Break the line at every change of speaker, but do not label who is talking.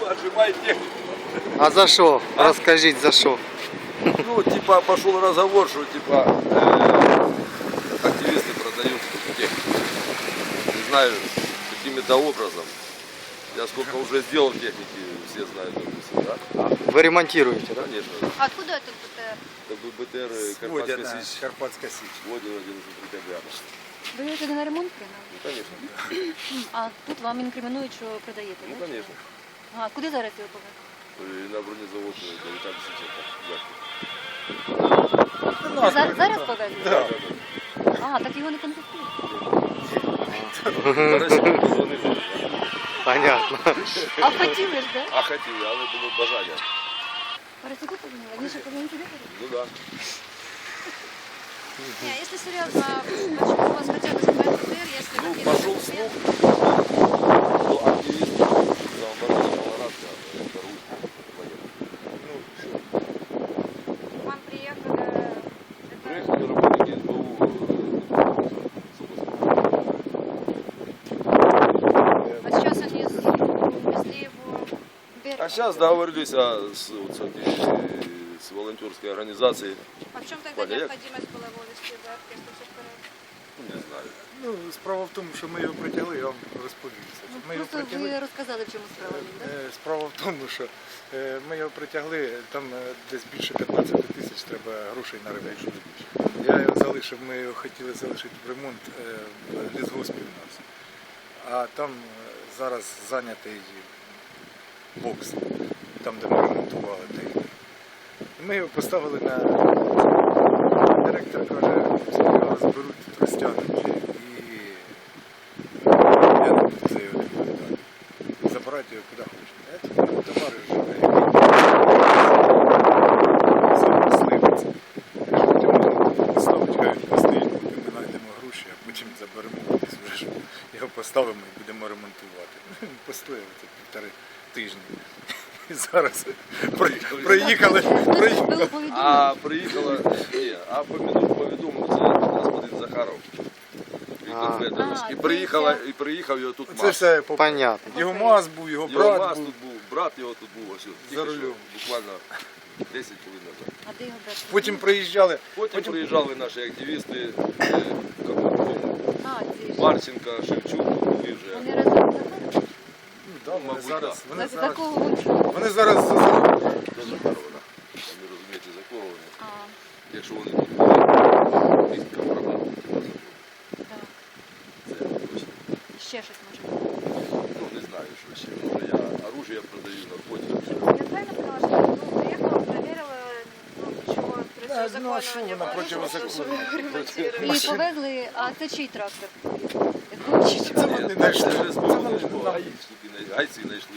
отжимает технику.
А за що? Розкажіть, за що?
Ну, типа, пошел разговор, что, типа, активисты продают технику. Не знаю, каким-то образом. Я сколько уже сделал техники, все знают, допустим, да?
Ви ремонтуєте, так?
Конечно.
А откуда этот БТР?
Это был БТР
Водяна,
Карпатская Сич.
Карпатська Січ.
Водин 11 декабря.
Ви його сюди на ремонт прийняли?
Ну, конечно.
А тут вам інкримінують, що продаєте,
Ну,
так?
конечно.
А куди зараз його повезли?
И на бронезавод до Виталия Сиченко.
Зараз повезли?
Да.
А, так його не конфіскують.
Зараз я позвонив.
Понятно.
А хотіли ж, так?
А хотів, але було бажання.
Парасику подумали? Вони що повинні сюди ходити?
Ну да.
Не, если серьезно, почему у вас хотелось забрать БТР, если
Ну,
какие-то
пошел
документы?
слух, что активист наоборот Малорадка торгует военным. Ну, все.
К вам приехали,
Приехали работники СБУ.
а сейчас они увезли его в Берег.
А сейчас договорились с волонтерской организацией.
А в чем тогда
Валя,
необходимость была его везти в Берег, если все в порядке?
Ну, не знаю.
Ну, справа в тому, що ми його притягли, я вам розповім.
Ну,
Ми його
просто
притягли.
ви розказали, в чому справа, так?
Справа в тому, що ми його притягли, там десь більше 15 тисяч треба грошей на ремонт. Я його залишив, ми його хотіли залишити в ремонт в лісгоспі у нас. А там зараз зайнятий бокс, там де ми ремонтували техніку. Ми його поставили на директор каже, його зберуть, розтягнуть і я не буду за його відповідати. Забирати його куди хочете. Це товариш живе, мисливець. Потім можна поставити, хай він постоїть, поки ми знайдемо гроші, а потім заберемо десь вже ж його поставимо і будемо ремонтувати. Він постояв це 1,5 тижні. І зараз приїхали.
Було повідомлення.
А приїхала, ні, а повідомив це господин Захаров. І конкретно.
А,
І приїхав його тут
Це
МАЗ.
все
Понятно.
його маз був, його
Його
брат
МАЗ
був.
тут був, брат його тут був, ось тільки
За
що,
рулем.
буквально 10 хвилин назад.
А де його брати?
Потім приїжджали.
Потім приїжджали наші активісти,
А, ці ж.
Марченко, Шевчук, були вже.
Вони разом заходили?
Да, вони
мабуть,
зараз,
да.
вони
За
зараз,
кого вони?
вони зараз
До Захарова. Самі розумієте, за кого вони.
А,
Якщо вони тут були, містка програма.
так.
Це точно.
Ще щось може бути.
Ну, не знаю, що ще. Може, я оружие продаю, наркотики.
Я правильно поняла, что ну, приехала, проверила, ну, чего
ну, а что вы на противозаконном?
І повезли, а це чий трактор? Якого чи чого?
Це вони знайшли.
Це ж гаїчники, гайці знайшли.